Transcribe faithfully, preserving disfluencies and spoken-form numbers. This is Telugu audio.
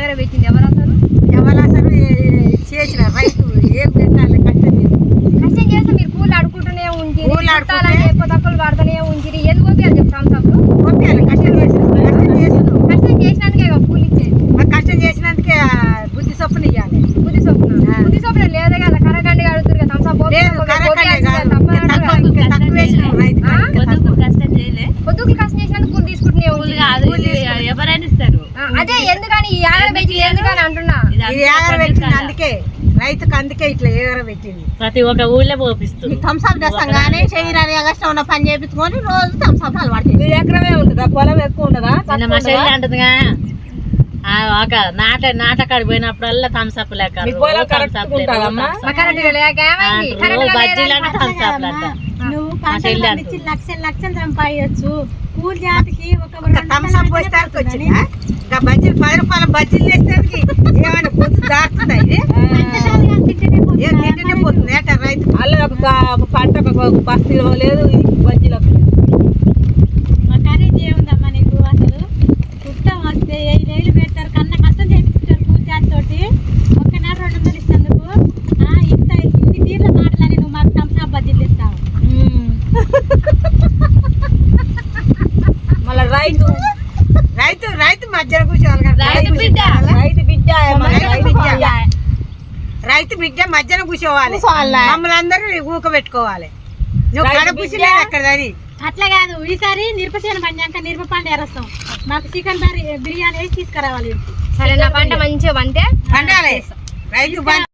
యాగర పెట్టింది ఎవరు అసలు ఎవరు అసలు చేసిన రైతు ఏం పెట్టాలి కష్టం చేసి కష్టం చేస్తే మీరు పూలు అడుకుంటూనే ఉంచిరి పూలు చుట్టాలని ఎక్కువ తక్కువలు పడుతూనే ఉంచిరి ఎందుకు పంపించాలి చెప్పు థమ్స్అప్లు పంపించాలి కష్టం చేసి కష్టం చేసినావు కష్టం చేసినందుకే కదా పూలు ఇచ్చేది మరి కష్టం చేసినందుకే బుద్ధి చొప్పున ఇవ్వాలి బుద్ధి చొప్పున బుద్ధి చొప్పున లేదే కదా కరగండి అడుగుతారు కదా థమ్స్అప్ లేదు కరెక్టే కాదు తక్కువ ఇంకా తక్కువ వేసినావు రైతు కష్టం చేయలే పొద్దుకు కష్టం చేసినందుకు పూలు తీసుకుంటూనే ఉంది కాదు ఎవరైనా ఇస్తారు అదే ఎందుకని ఈ యాగర పెట్టి ఎందుకని అంటున్నా ఇది ఏగర పెట్టింది అందుకే రైతుకు అందుకే ఇట్లా ఏగర పెట్టింది ప్రతి ఒక్క ఊళ్ళో పోపిస్తుంది థమ్స్అప్ చేస్తాగానే శరీరాన్ని కష్టం ఉన్న పని చేయించుకొని రోజు థమ్స్అప్ అలవాటు ఎకరమే ఉంటుందా పొలం ఎక్కువ ఉండదా నిన్న మా చెల్లి అంటుందిగా ఆ ఒక నాట నాటకాడికి పోయినప్పుడల్లా థమ్స్అప్ లెక్క బజ్జీలని థమ్స్అప్ అంట నువ్వు పంటలు పండించి లక్షలు లక్షలు సంపాదించచ్చు కూలి జాతికి ఒక థమ్స్అప్ పోస్తానికి వచ్చింది ఇంకా బజ్జీలు పది రూపాయల బజ్జీలు వేస్తానికి ఏమైనా పొద్దు దాటుతుందా ఇది ఏం తింటేనే పోతుంది ఏట రైతు అల్ల ఒక పంట ఒక బస్తీలో లేదు బజ్జీలకు మా ఖరీదు ఏముందమ్మా నీకు అసలు కుట్టం వస్తే ఐదు వేలు పెడతారు కన్నా కష్టం చేపిస్తారు కూలి జాతి తోటి ఒక్క నెల రెండు వందలు ఇస్తందుకు ఇంత ఇన్ని తీర్ల మాటలని నువ్వు మాకు థమ్స్అప్ బజ్జీలు ఇస్తావు మళ్ళీ రైతు రైతు రైతు మధ్యలో కూర్చోవాలి కదా రైతు బిడ్డ రైతు బిడ్డ రైతు బిడ్డ రైతు బిడ్డ మధ్యన కూర్చోవాలి మమ్మల్ని అందరూ ఊక పెట్టుకోవాలి నువ్వు కడ కూర్చోలేదు అక్కడ అది అట్లా కాదు ఈసారి నిర్పచేన పంచాక నిర్ప పండు ఎరస్తాం మాకు చికెన్ బిర్యానీ వేసి తీసుకురావాలి సరే నా పంట మంచిగా పంటే పండాలి రైతు